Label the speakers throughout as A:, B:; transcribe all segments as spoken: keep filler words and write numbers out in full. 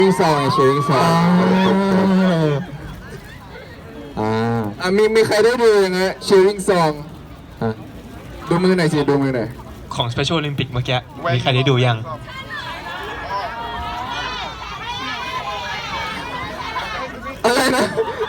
A: วิ่งซองไงเชียร์วิ่งซองอ่าอ่ะมีมีใครได้ดูยังไงเชียร์วิ่งซองดูมือหน่อยสิดูมือหน่อย
B: ของ Special Olympic เมื่อกี้มีใครได้ดูยัง
A: อะไรนะ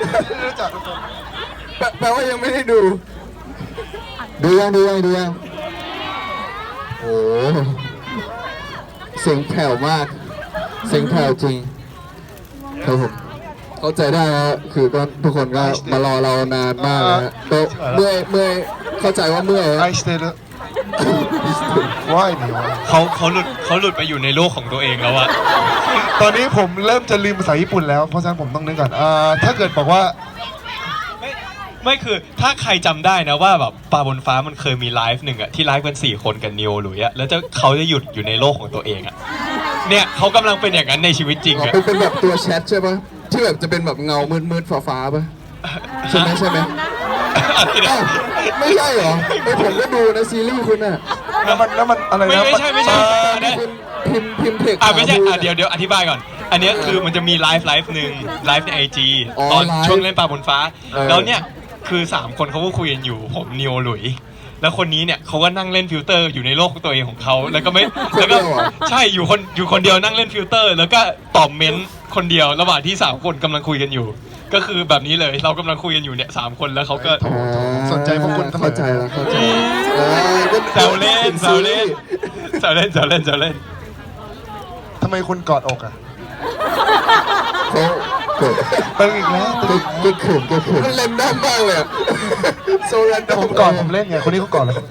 A: แปลว่ายังไม่ได้ดูดูยังดูยังดูยังโอ้เสียงแผ่วมากเสียงแผ่วจริงครับผมเข้าใจได้นะคือก็ทุกคนก็มารอเรานานมากนะก็เมื่อยเมื่อยเข้าใจว่าเมื่อย
C: ไอสเตอร์ว่ายหนีวะ
B: เขาเขาหลุดเขาหลุดไปอยู่ในโลกของตัวเองแล้วอะ
C: ตอนนี้ผมเริ่มจะลืมภาษาญี่ปุ่นแล้วเพราะฉะนั้นผมต้องนึกก่อนอ่าถ้าเกิดบอกว่า
B: ไม่ไม่คือถ้าใครจำได้นะว่าแบบปลาบนฟ้ามันเคยมีไลฟ์หนึ่งอะที่ไลฟ์กันสี่คนกับนิวหลุยอะแล้วจะเขาจะหยุดอยู่ในโลกของตัวเองอะเนี่ยเขากำลังเป็นอย่างนั้นในชีวิตจริงอะ
A: เป็นแบบตัวแชทใช่ปะที่แบบจะเป็นแบบเงามืดๆฟ้าๆปะใช่ไหมใช่ไหมไม่ใช่เหรอไอผมก็ดูนะซีรีส์คุณน่ะ
C: แล้วมันแล้วมันอะไรนะ
B: ไม่ใช่ไม่ใช่
A: คุณพิมพ์พิมพ์เทค
B: อ่ะไม่ใช่อ่ะเดี๋ยวเดี๋ยวอธิบายก่อนอันนี้คือมันจะมีไลฟ์ไลฟ์หนึ่งไลฟ์ในไอจีตอนช่วงเล่นปลาบนฟ้าแล้วเนี่ยคือสามคนเขาก็คุยกันอยู่ผมนิวหลุยแล้วคนนี้เนี่ยเขาก็นั่งเล่นฟิลเตอร์อยู่ในโลกของตัวเองของเขาแล้วก็ไม่แล้วก็ใช่อยู่คนอยู่คนเดียวนั่งเล่นฟิลเตอร์ แล้วก็ตอบเม้นต์คนเดียวระหว่างที่สามคนกำลังคุยกันอยู่ก็คือแบบนี้เลยเรากำลังคุยกันอยู่เนี่ยสามคนแล้วเขาก็
C: สนใจพวกคุณ
A: เข้าใจแล้วเข้าใจ
B: แซวเล่นแซวเล่นแซวเล่นแซวเล่นแซวเล่น
C: ทำไมคุณกอดอกอ่ะ
A: เขากด
C: ตึงอีกแล้ว
A: ตึงก็ขืนก็ขืนมันเล่นได้มากเลยโซลัน
C: แต่ผมกอดผมเล่นไงคนนี้เขากอดเลย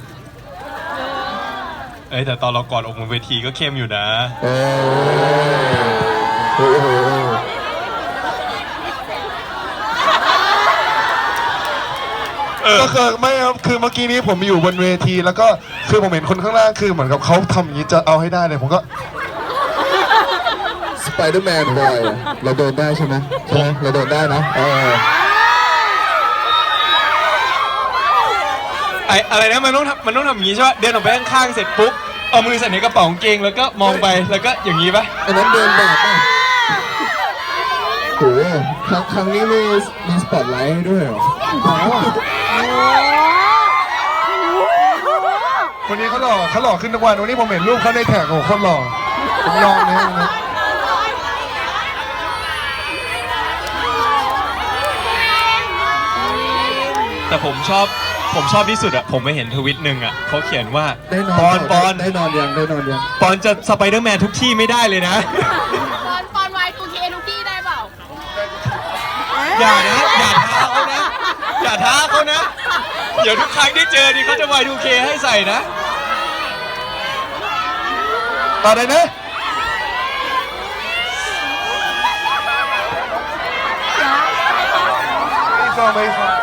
B: เอ้ยแต่ตอนเรากอดอกบนเวทีก็เข้มอยู่นะ
A: โอ้โห
C: ก็คือไม่ครับคือเมื่อกี้นี้ผมอยู่บนเวทีแล้วก็คือผมเห็นคนข้างล่างคือเหมือนกับเขาทำอย่างนี้จะเอาให้ได้เลยผมก็
A: สไปเดอร์แมนบอยเราโดนได้ใช่ไหมใช่ไหมเราโดนได้นะเออ
B: ไออะไรนะมันต้องมันต้องทำอย่างนี้ใช่ไหมเดินออกไปข้างๆเสร็จปุ๊บเอามือใส่ในกระเป๋ากางเกงแล้วก็มองไปแล้วก็อย่างนี้ปะ
A: อันนั้นเดินแบบป่ะโอ้โหครั้งครั้งนี้มีมีสปอตไลท์ให้ด้วยเหรอ
C: คนนี้เขาหล่อเขาหล่อขึ้นทุกวันวันนี้ผมเห็นรูปเขาในแท็กโอ้โหคนหล่อผมลองนะ
B: แต่ผมชอบผมชอบที่สุดอะผมไปเห็นทวิตหนึ่งอะเขาเขียนว่าปอนปอน
A: ได้นอนยังได้นอนยัง
B: ปอนจะสไปเดอร์แมนทุกที่ไม่ได้เลยนะ
D: ปอนปอนวายทูเคทุกที่ได้เปล่า
B: อย่านะอย่าท้าเขานะอย่าท้าเขานะเดี๋ยวทุกครั้งที่เจอนี่เขาจะวายทูเคให้ใส่นะ
C: ต่อได้นะไม่ฟังไม่ฟัง